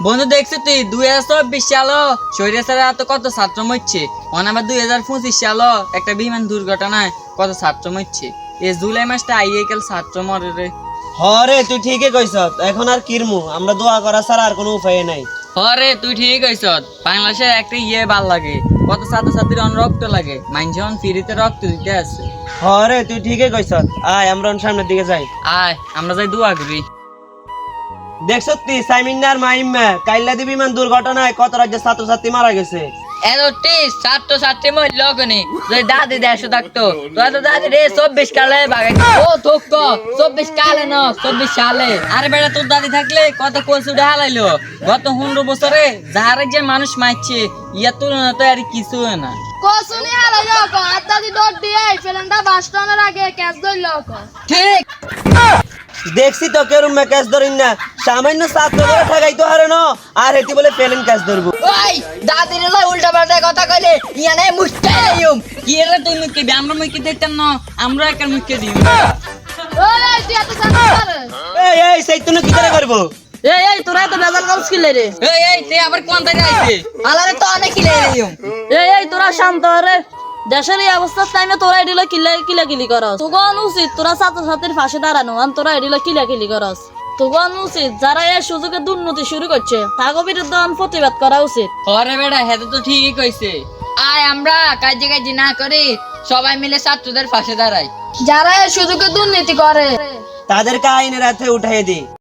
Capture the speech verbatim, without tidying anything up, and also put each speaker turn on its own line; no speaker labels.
বন্ধু দেখছো তুই দুই হাজার চব্বিশ সালো স্বৈরাচারের হাতে কত ছাত্র মরছে, অন আবার দুই হাজার পঁচিশ সালো একটা বিমান দুর্ঘটনায় কত ছাত্র মরছে। এই জুলাই মাসটা আইয়ে গেল ছাত্র মরে রে।
হরে তুই ঠিকই কইছ, এখন আর কিরমু, আমরা দোয়া করা ছাড়া আর কোনো উপায় নাই।
হরে তুই ঠিক কইছ, বাংলাদেশে একটা ইয়ে ভাল লাগে, কত ছাত্রছাত্রীর অন রক্ত লাগে, মানুষ অন ফ্রিতে রক্ত দিতে আছে।
হরে তুই ঠিকই কইছ, আয় আমরা সামনের দিকে যাই।
আয় আমরা যাই দোয়া করি।
দেখছ তুই সাইমিনার মাইম্মা কাইলা দি বিমান দুর্ঘটনায় কত রাজ্যের ছাত্রছাত্রী মারা গেছে।
এতটি ছাত্র ছাত্রী মহিল লগনি যদি দাদি দেড়শো থাকতো তোরা তো দাদি রে চব্বিশ কালে বাগাই ও তোক তো চব্বিশ কালে ন চব্বিশ সালে। আরে বেটা তোর দাদি থাকলে কত কচুটা হালাইলো, গত পনেরো বছরে যাহারে যে মানুষ মারছে ইয়ার তুলনা তো আর কিছু না।
কসুনি হারাইলো কো আদাদি ডট দিয়ে ফেলেনটা বাস্টনের আগে ক্যাচ ধরলো কো।
ঠিক
দেখছি তো কেরম মে ক্যাচ ধরিন না, সামান্য ছাত্র করে ঠেকাই তো হারে ন, আর হেতি বলে পেলেন ক্যাচ ধরবো।
ওই দাদির লয় উল্টা পাল্টা কথা কইলে ইয়া নাই মুস্তাই আইম কি রে তুই মুখে দি আমরা মুখে দেখতাম না, আমরা একার মুখে দিই।
ওই তুই এত জানা পারে
এই এই সেই তুই কি করে করব।
এই এই তোরা তো বেজাল গাউস কিলে রে।
এই এই তুই আবার কোন থেকে আইছে আলারে তো অনেক খিলে আইম।
এই এই তোরা শান্ত হ রে, দেশের এই অবস্থার টাইমে তোরা এডিলো কিলে কিলা কিলি করস। তোগন উচিত তোরা ছাত্রছাত্রীর পাশে দাঁড়ানো, আর তোরা এডিলো কিলা কিলি করস। তোগন উচিত যারা এই সুযোগে দুর্নীতি শুরু করছে তাগো বিরুদ্ধে প্রতিবাদ করা উচিত।
আরে বেটা হেতে তো ঠিকই কইছে, আয় আমরা কাজে কাজে না করি সবাই মিলে ছাত্রদের পাশে দাঁড়াই।
যারা এই সুযোগে দুর্নীতি করে
তাদেরকে আইনের হাতে উঠাই দি।